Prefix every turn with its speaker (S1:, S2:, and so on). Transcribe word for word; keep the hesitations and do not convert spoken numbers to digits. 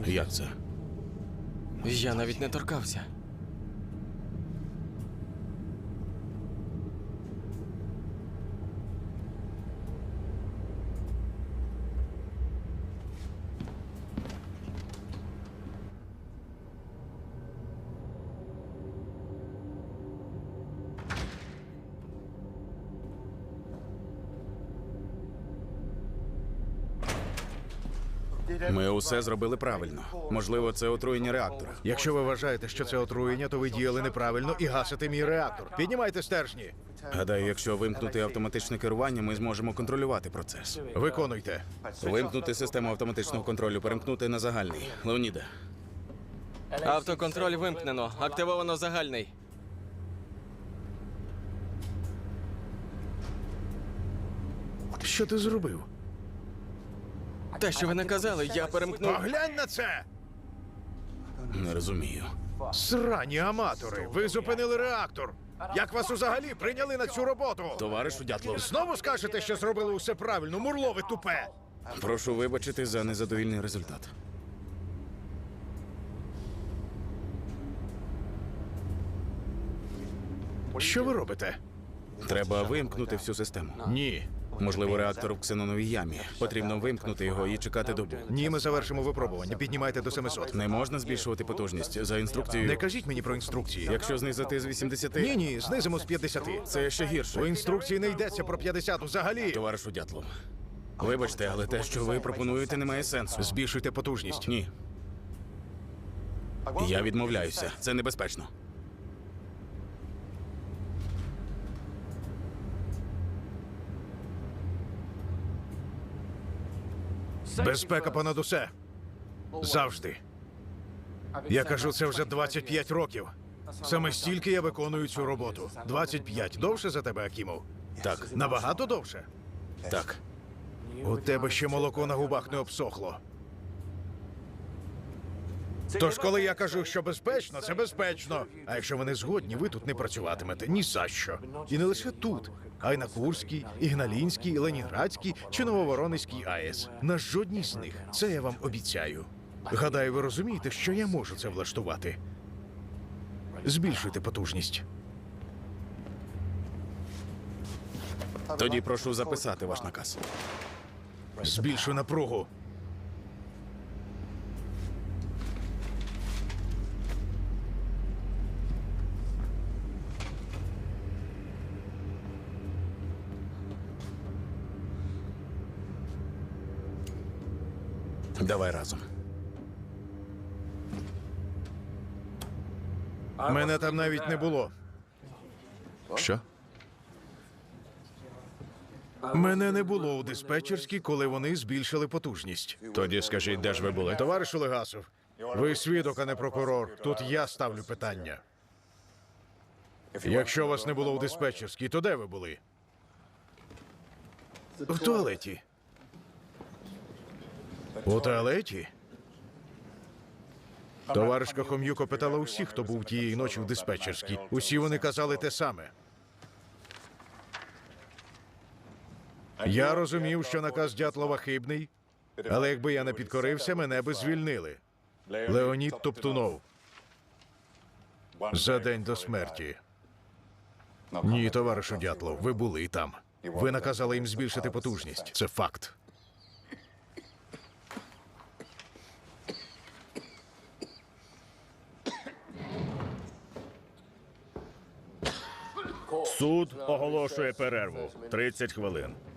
S1: Як це?
S2: Я навіть не торкався.
S1: Ми усе зробили правильно. Можливо, це отруєння реактора.
S3: Якщо ви вважаєте, що це отруєння, то ви діяли неправильно і гасите мій реактор. Піднімайте стержні.
S1: Гадаю, якщо вимкнути автоматичне керування, ми зможемо контролювати процес.
S3: Виконуйте.
S1: Вимкнути систему автоматичного контролю, перемкнути на загальний. Леоніде,
S2: Автоконтроль вимкнено. Активовано загальний.
S3: Що ти зробив?
S2: Те, що ви наказали, я перемкнув.
S3: Поглянь на це!
S1: не розумію.
S3: Срані аматори! Ви зупинили реактор! Як вас взагалі прийняли на цю роботу?
S1: Товаришу Дятлов,
S3: Знову скажете, що зробили усе правильно, мурло ви тупе!
S1: прошу вибачити за незадовільний результат.
S3: Що ви робите?
S1: Треба вимкнути всю систему.
S3: Ні.
S1: Можливо, реактор в ксеноновій ямі. Потрібно вимкнути його і чекати добу.
S3: Ні, ми завершимо випробування. Піднімайте до семисот.
S1: Не можна збільшувати потужність за інструкцією.
S3: Не кажіть мені про інструкції.
S1: Якщо знизити з вісімдесяти...
S3: Ні, ні, знизимо з п'ятдесяти.
S1: Це ще
S3: У
S1: гірше.
S3: інструкції не йдеться про п'ятдесят взагалі.
S1: Товаришу Дятлов, вибачте, але те, що ви пропонуєте, не має сенсу.
S3: Збільшуйте потужність.
S1: Ні. Я відмовляюся. Це небезпечно.
S3: Безпека понад усе. Завжди. Я кажу це вже двадцять п'ять років. Саме стільки я виконую цю роботу. двадцять п'ять. Довше за тебе, Акімов?
S1: Так,
S3: Набагато довше?
S1: так.
S3: У тебе ще молоко на губах не обсохло. Тож, коли я кажу, що безпечно, це безпечно. А якщо ви не згодні, ви тут не працюватимете ні за що. І не лише тут, а й на Курській, Ігналінській, Ленінградській чи Нововоронезькій АЕС. На жодній з них. Це я вам обіцяю. Гадаю, ви розумієте, що я можу це влаштувати. Збільшуйте потужність.
S1: Тоді прошу записати ваш наказ.
S3: Збільшуй напругу.
S1: Давай разом.
S3: Мене там навіть не було.
S1: Що?
S3: Мене не було у диспетчерській, коли вони збільшили потужність.
S4: Тоді скажіть, де ж ви були?
S3: Товаришу Легасов, ви свідок, а не прокурор. Тут я ставлю питання. Якщо вас не було у диспетчерській, то де ви були? В туалеті. У туалеті? Товаришка Хом'юко питала усіх, хто був тієї ночі в диспетчерській. Усі вони казали те саме. Я розумів, що наказ Дятлова хибний, але якби я не підкорився, мене би звільнили. Леонід Топтунов. За день до смерті. Ні, товаришу Дятлов, ви були там. Ви наказали їм збільшити потужність. Це факт.
S4: Суд оголошує перерву. тридцять хвилин.